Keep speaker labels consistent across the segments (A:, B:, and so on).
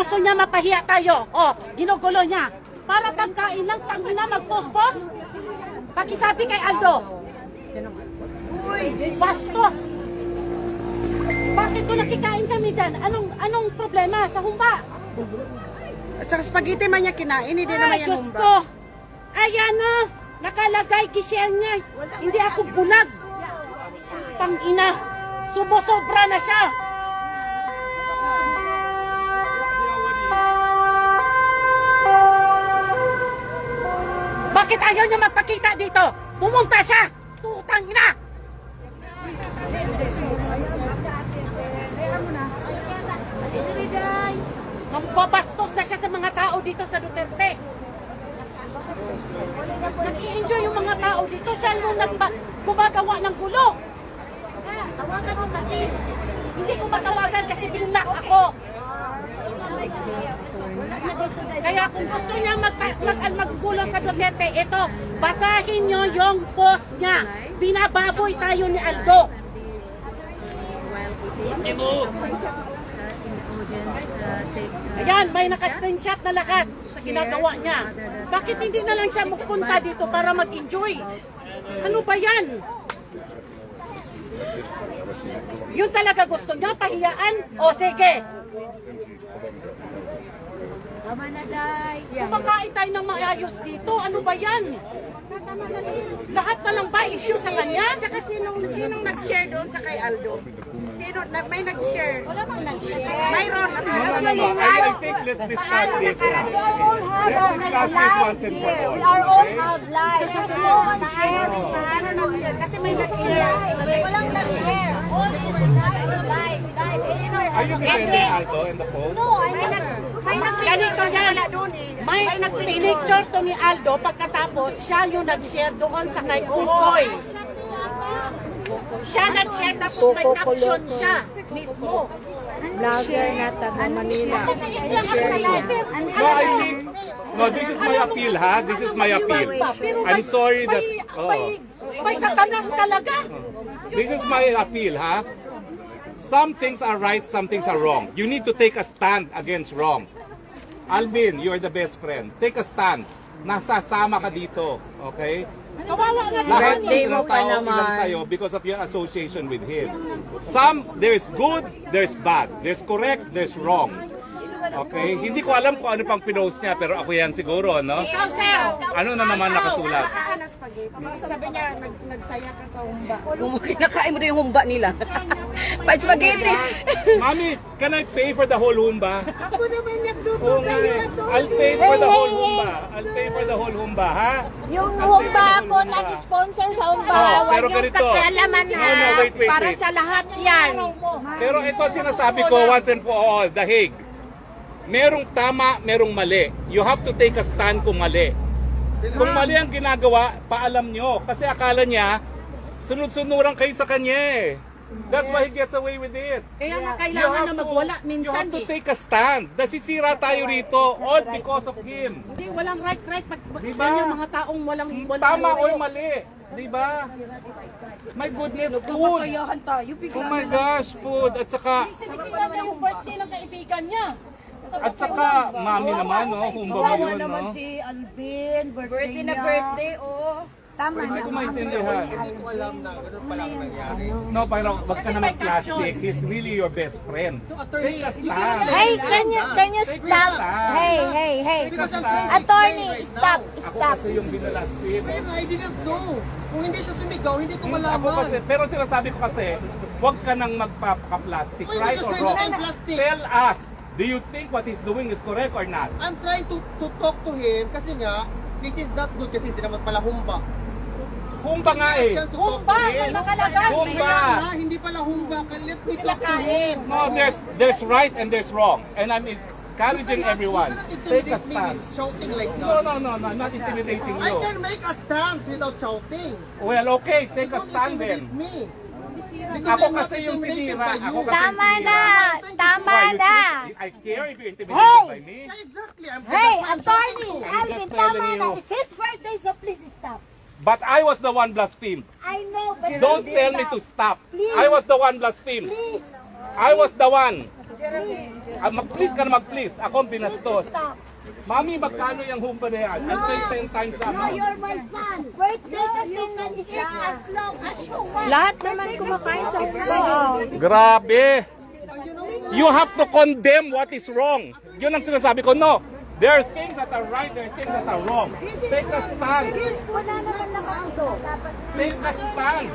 A: gusto niya mapahiya tayo. O, ginugulo niya. Para pagkain lang, tangina, magpospos. Pakisabi kay Aldo. Bastos. Bakit kung nakikain kami dyan? Anong problema sa humba?
B: At saka spaghetti man niya kinain, hindi naman yan
A: Diyos
B: humba.
A: ko. Ayan o. Nakalagay, kishare niya. Hindi ako bulag. Tangina. Subo-sobra na siya. Bakit ayaw niya magpakita dito? Pumunta siya. Tutang ina. Magbabastos na siya sa mga tao dito sa Duterte. Nag-i-enjoy yung mga tao dito. Siya nung gumagawa ng gulo. Tawagan mo kasi. Hindi ko matawagan kasi binlock ako. Kaya kung gusto niya maggulo sa Duterte, ito, basahin nyo yung post niya. Binababoy tayo ni Aldo. Ayan, may naka-screenshot na lahat sa ginagawa niya. Bakit hindi na lang siya magpunta dito para mag-enjoy? Ano ba yan? Yun talaga gusto niya, pahiyaan? O sige. Kumakain tayo ng maayos dito. Ano ba yan? Lahat na lang ba issue sa kanya?
B: Saka sinong nag-share doon sa kay Aldo? May nag-share? Wala bang nag-share? Mayroon.
C: I think let's discuss this now. Let's discuss this once and for all.
D: We are all have lives. There's no one
B: Nag-share? Kasi may nag-share.
D: Walang nag-share. All is live.
C: Are you defending Aldo in the post?
D: No, I never.
A: Ganito yan. May nag-picture to ni Aldo pagkatapos siya yung nag-share doon sa kay Ukoy. Siya nag-share tapos may caption siya mismo.
B: Vlogger na taga Manila.
C: No, I think, no, this is my appeal, ha? This is my appeal. I'm sorry that,
A: May satanas talaga.
C: this is my appeal, ha? Some things are right, some things are wrong. You need to take a stand against wrong. Alvin, you're the best friend. Take a stand. Nasasama ka dito, okay?
A: Kawawa nga
C: Lahat
A: naman.
C: ng tao ilang sa'yo because of your association with him. There's good, there's bad. There's correct, there's wrong. Okay? Hindi ko alam kung ano pang pinost niya, pero ako yan siguro, no?
A: Ikaw, sir.
C: Ano na naman nakasulat?
B: Sabi niya, nagsaya ka sa humba.
E: Kung kinakain mo na yung humba nila. Spaghetti.
C: Mami, can I pay for the whole humba?
B: Ako naman nagluto
C: Oo nga eh. I'll pay for the whole humba. I'll pay for the whole humba, ha?
D: Yung humba ako nag-sponsor sa humba.
C: Oh, pero ganito.
B: Pakialaman ha.
C: No, wait.
B: Para sa lahat yan.
C: Pero ito ang sinasabi ko once and for all, The Hague. Merong tama, merong mali. You have to take a stand kung mali. Kung mali ang ginagawa, paalam nyo. Kasi akala niya, sunod-sunuran kayo sa kanya eh. That's why he gets away with it.
A: Kaya nga kailangan na magwala
C: You
A: minsan
C: have to
A: eh.
C: take a stand. Nasisira tayo rito all because of him.
A: Hindi, walang right.
C: Diba?
A: Yan yung mga taong walang
C: Tama o mali. Diba? My goodness, food. Oh my gosh, food. At saka,
A: Sinisira niya yung birthday ng kaibigan niya.
C: mami naman, no? Humba mo yun, no?
B: si Alvin, birthday
D: Na birthday, oh.
C: Hindi ko maintindihan. No, pero wag ka na mag-plastic. He's really your best friend. Take a stand.
D: Hey, can you stop? Hey. Attorney, stop.
C: Ako kasi yung binalastik.
F: I didn't know. Kung hindi siya sumigaw, hindi ko
C: Ako
F: malaman.
C: kasi, pero sinasabi ko kasi, wag ka nang magpapaka-plastic,
F: Uy,
C: right or
F: kasi
C: wrong?
F: I'm plastic.
C: Tell us, do you think what he's doing is correct or not?
F: I'm trying to talk to him kasi nga, this is not good kasi hindi naman pala humba.
C: Humba nga eh.
A: Humba, may nakalagay.
C: Humba.
F: Kaya nga, hindi pala humba. Let me talk to him.
C: No, there's right and there's wrong. And I'm encouraging everyone. Take a stand.
F: Shouting like
C: No,
F: that.
C: I'm not intimidating
F: I
C: you.
F: can make a stance without shouting.
C: Well, okay, take a
F: Don't
C: stand
F: intimidate
C: then.
F: me.
C: Ako kasi yung sinira. Ako kasi yung
D: Tama
C: sinira.
D: na. Tama
C: Why, you
D: na.
C: think I care if you're intimidated by me?
F: Yeah, exactly. I'm
D: Hey,
F: that's why I'm
D: attorney,
F: shouting to.
D: Alvin,
C: just telling
D: tama na.
C: you.
D: It's his birthday, so please stop.
C: But I was the one blasphemed.
D: I know, but
C: Don't
D: please
C: tell me
D: stop.
C: to stop.
D: Please.
C: I was the one blasphemed.
D: Please.
C: I was the one. Mag-please ka na mag-please. Ako ang binastos. Mami, magkano yung humpa na yan? I'll pay 10 times that amount.
D: You're my son. Wait, you can eat as long as you want.
E: Lahat naman kumakain sa humba.
C: Grabe! You have to condemn what is wrong. Yun ang sinasabi ko. No, there are things that are right, there are things that are wrong. Take a stand.
D: Wala naman nakauso.
C: Take a stand.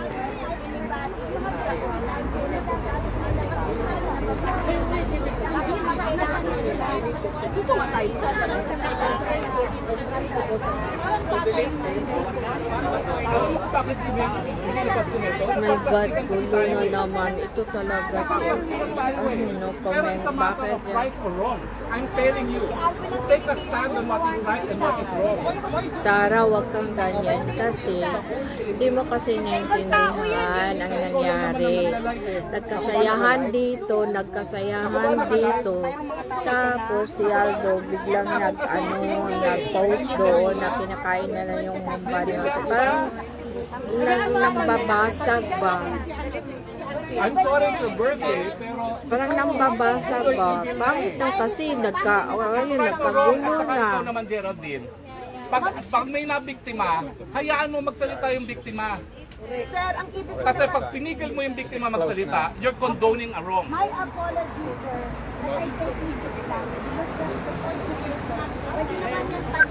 C: Bakit
E: My God, gulo na naman. Ito talaga si... no comment. Bakit yan?
C: right or wrong. I'm telling you, take a stand on what is right and what is wrong.
E: Sarah, wag kang ganyan kasi hindi mo kasi naintindihan ang nangyari. Nagkasayahan dito, tapos si Aldo biglang nag-post doon na kinakain na lang yung humba niya. Parang nambabasag ba?
C: I'm sorry it's your birthday, pero
E: Parang nambabasag ba? Pangit lang kasi nagkagulo
C: Saka
E: na.
C: ikaw naman, Geraldine, pag may nabiktima, hayaan mo magsalita yung biktima.
D: Sir, ang ibig
C: Kasi pag pinigil mo yung biktima magsalita, you're condoning a wrong.
D: my apology, sir. But I say please lang. Because the point is not, pwede naman yung